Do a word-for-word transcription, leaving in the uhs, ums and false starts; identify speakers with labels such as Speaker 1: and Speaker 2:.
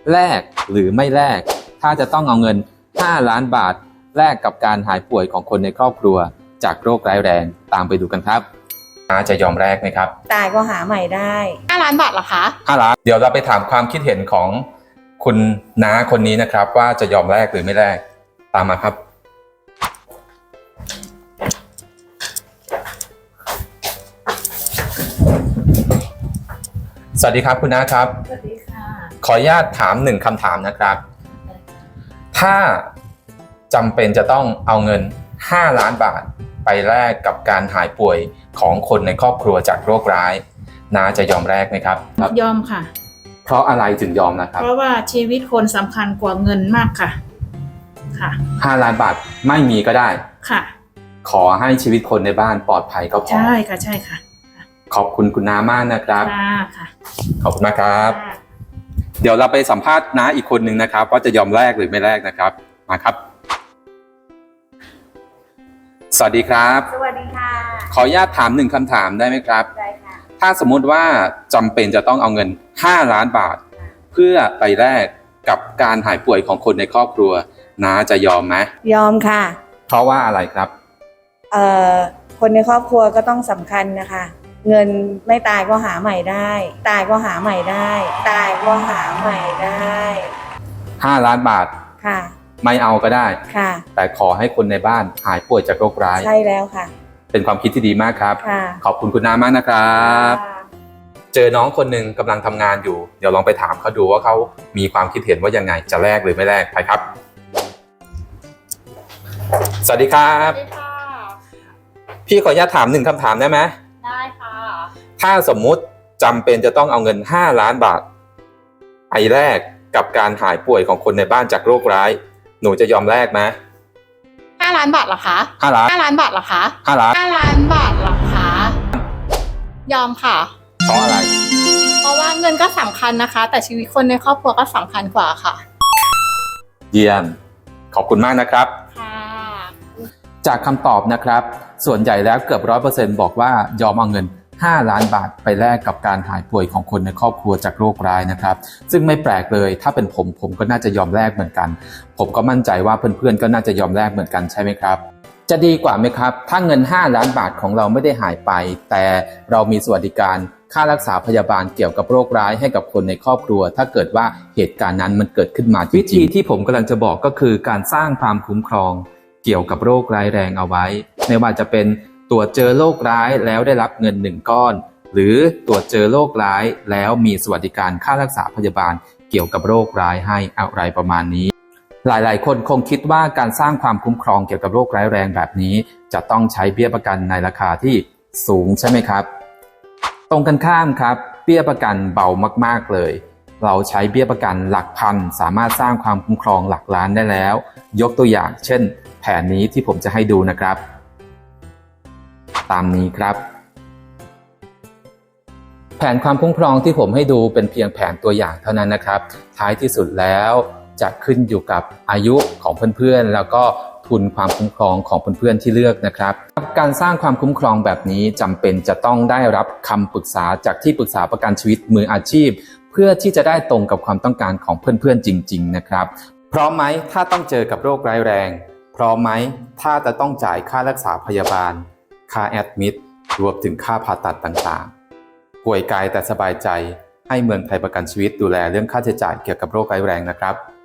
Speaker 1: แลกหรือไม่แลกถ้าจะต้องเอาเงินห้าล้านบาทแลกกับการหายป่วยของคนในครอบครัวจากโรคร้ายแรงตามไปดูกันครับน้าจะยอมแลกไหมครับ
Speaker 2: ตายก็หาใหม่ได้
Speaker 3: ห้าล้านบาทเหรอคะ
Speaker 1: ห้าล้านเดี๋ยวเราไปถามความคิดเห็นของคุณน้าคนนี้นะครับว่าจะยอมแลกหรือไม่แลกตามมาครับสวัสดีครับคุณน้าครับ
Speaker 3: สวัสดีค่ะ
Speaker 1: ขออนุญาตถามหนึ่งคำถามนะครับถ้าจำเป็นจะต้องเอาเงินห้าล้านบาทไปแลกกับการหายป่วยของคนในครอบครัวจากโรคร้ายน้าจะยอมแลกไหมครับ
Speaker 3: ยอมค่ะ
Speaker 1: เพราะอะไรถึงยอมนะครับ
Speaker 3: เพราะว่าชีวิตคนสำคัญกว่าเงินมากค่ะค่ะ
Speaker 1: ห้าล้านบาทไม่มีก็ได้
Speaker 3: ค่ะ
Speaker 1: ขอให้ชีวิตคนในบ้านปลอดภัยก็พอ
Speaker 3: ใช่ค่ะใช่ค่ะ
Speaker 1: ขอบคุณคุณน้ามากนะครับ
Speaker 3: ค่ะค่ะ
Speaker 1: ขอบคุณมากครับเดี๋ยวเราไปสัมภาษณ์น้าอีกคนหนึ่งนะครับว่าจะยอมแลกหรือไม่แลกนะครับมาครับสวัสดีครับ
Speaker 2: สวัสดีค่ะ
Speaker 1: ขออนุญาตถามหนึ่งคำถามได้ไหมครับ
Speaker 2: ได้ค่ะ
Speaker 1: ถ้าสมมุติว่าจำเป็นจะต้องเอาเงินห้าล้านบาทเพื่อไปแลกกับการหายป่วยของคนในครอบครัวน้าจะยอมไหม
Speaker 2: ยอมค่ะ
Speaker 1: เพราะว่าอะไรครับ
Speaker 2: เอ่อคนในครอบครัวก็ต้องสำคัญนะคะเงินไม่ตายก็หาใหม่ได้ตายก็หาใหม่ได้ตายก็หาใหม่ได้
Speaker 1: ห้าล้านบาท
Speaker 2: ค่ะ
Speaker 1: ไม่เอาก็ได้
Speaker 2: ค่ะ
Speaker 1: แต่ขอให้คนในบ้านหายป่วยจากโรคร้าย
Speaker 2: ใช่แล้วค่ะ
Speaker 1: เป็นความคิดที่ดีมากครับ
Speaker 2: ค่ะ
Speaker 1: ขอบคุณคุณน้ามากนะครับเจอน้องคนหนึ่งกำลังทำงานอยู่เดี๋ยวลองไปถามเขาดูว่าเขามีความคิดเห็นว่ายังไงจะแลกหรือไม่แลกไปครับสวัสดีครับ
Speaker 3: สวัสดีค่ะ
Speaker 1: พี่ขออนุญาตถามหนึ่งคำถามได้ไหม
Speaker 3: ได้ค่ะ
Speaker 1: ถ้าสมมุติจำเป็นจะต้องเอาเงินห้าล้านบาทไปแลกกับการหายป่วยของคนในบ้านจากโรคร้ายหนูจะยอมแลกไหม
Speaker 3: ห้าล้านบาทเหรอคะ
Speaker 1: ห้าล้าน
Speaker 3: ห้าล้านบาทเหรอคะ
Speaker 1: ห้าล้าน
Speaker 3: ห้าล้านบาทเหรอคะยอมค่ะ
Speaker 1: เพราะอะไร
Speaker 3: เพราะว่าเงินก็สำคัญนะคะแต่ชีวิตคนในครอบครัวก็สำคัญกว่าค่ะ
Speaker 1: เยี่ยมขอบคุณมากนะครับ
Speaker 3: ค่ะ
Speaker 1: จากคำตอบนะครับส่วนใหญ่แล้วเกือบร้อยเปอร์เซ็นต์บอกว่ายอมเอาเงินห้าล้านบาทไปแลกกับการหายป่วยของคนในครอบครัวจากโรคร้ายนะครับซึ่งไม่แปลกเลยถ้าเป็นผมผมก็น่าจะยอมแลกเหมือนกันผมก็มั่นใจว่าเพื่อนๆก็น่าจะยอมแลกเหมือนกันใช่ไหมครับจะดีกว่าไหมครับถ้าเงินห้าล้านบาทของเราไม่ได้หายไปแต่เรามีสวัสดิการค่ารักษาพยาบาลเกี่ยวกับโรคร้ายให้กับคนในครอบครัวถ้าเกิดว่าเหตุการณ์นั้นมันเกิดขึ้นมาวิธีที่ผมกำลังจะบอกก็คือการสร้างความคุ้มครองเกี่ยวกับโรคร้ายแรงเอาไว้ไม่ว่าจะเป็นตรวจเจอโรคร้ายแล้วได้รับเงินหนึ่งก้อนหรือตรวจเจอโรคร้ายแล้วมีสวัสดิการค่ารักษาพยาบาลเกี่ยวกับโรคร้ายให้อะไรประมาณนี้หลายๆคนคงคิดว่าการสร้างความคุ้มครองเกี่ยวกับโรคร้ายแรงแบบนี้จะต้องใช้เบี้ยประกันในราคาที่สูงใช่ไหมครับตรงกันข้ามครับเบี้ยประกันเบามากๆเลยเราใช้เบี้ยประกันหลักพันสามารถสร้างความคุ้มครองหลักล้านได้แล้วยกตัวอย่างเช่นแผนนี้ที่ผมจะให้ดูนะครับตามนี้ครับแผนความคุ้มครองที่ผมให้ดูเป็นเพียงแผนตัวอย่างเท่านั้นนะครับท้ายที่สุดแล้วจะขึ้นอยู่กับอายุของเพื่อนๆแล้วก็ทุนความคุ้มครองของเพื่อนๆที่เลือกนะครับการสร้างความคุ้มครองแบบนี้จำเป็นจะต้องได้รับคำปรึกษาจากที่ปรึกษาประกันชีวิตมืออาชีพเพื่อที่จะได้ตรงกับความต้องการของเพื่อนๆจริงๆนะครับพร้อมไหมถ้าต้องเจอกับโรคร้ายแรงพร้อมไหมถ้าจะต้องจ่ายค่ารักษาพยาบาลค่าแอดมิดรวมถึงค่าผ่าตัดต่างๆป่วยกายแต่สบายใจให้เมืองไทยประกันชีวิตดูแลเรื่องค่าใช้จ่ายเกี่ยวกับโรคร้ายแรงนะครับ